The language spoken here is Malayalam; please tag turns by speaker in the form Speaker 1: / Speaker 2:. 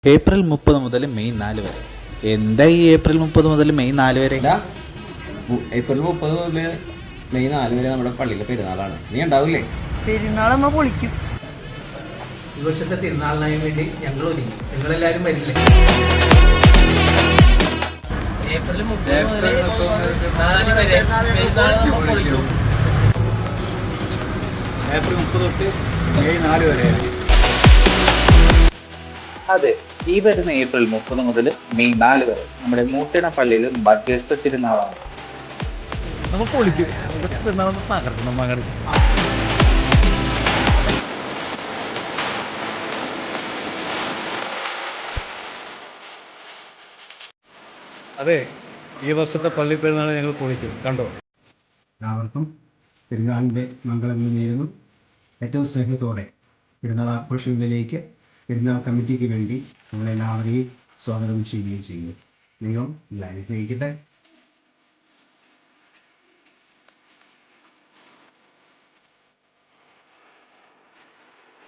Speaker 1: ഏപ്രിൽ 30 മുതൽ മെയ് 4 വരെ. എന്താ ഈ ഏപ്രിൽ 30 മുതൽ മെയ് 4 വരെ?
Speaker 2: ഏപ്രിൽ 30 മുതൽ മെയ് 4 വരെ നമ്മുടെ പള്ളിയിലെ പെരുന്നാളാണ്. നീ ഉണ്ടാവില്ലേ?
Speaker 3: പെരുന്നാൾ നമ്മൾ പൊളിക്കും.
Speaker 4: ഈ വർഷത്തെ തിരുനാളിനായി വേണ്ടി ഞങ്ങൾ ഒരുങ്ങി. നിങ്ങളെല്ലാവരും വരില്ലേ? ഏപ്രിൽ 30 മുതൽ 4 വരെ പെരുന്നാൾ നമ്മൾ പൊളിക്കും.
Speaker 5: ഏപ്രിൽ 30 തൊട്ട് മെയ് 4 വരെ.
Speaker 1: അതെ, ഈ വരുന്ന ഏപ്രിൽ 30 മുതൽ മെയ് 4 വരെ നമ്മുടെ മൂട്ടിണ പള്ളിയിൽ മധ്യസ്ഥ തിരുനാളാണ്.
Speaker 5: നമ്മൾ പൊളിക്കും. പെരുന്നാളൊന്ന് തകർക്കണം മകൻ. അതെ, ഈ വർഷത്തെ പള്ളി പെരുന്നാൾ ഞങ്ങൾ പൊളിക്കും. കണ്ടോ?
Speaker 6: എല്ലാവർക്കും പെരുന്നാളിൻ്റെ മംഗളങ്ങൾ നേരുന്നു. ഏറ്റവും സ്നേഹത്തോടെ പെരുന്നാൾ ആഘോഷങ്ങളിലേക്ക് പെരുന്നാൾ കമ്മിറ്റിക്ക് വേണ്ടി നമ്മളെല്ലാവരെയും സ്വാഗതം ചെയ്യുകയും ചെയ്യുന്നു. ദൈവം എല്ലാവരെയും സ്നേഹിക്കട്ടെ.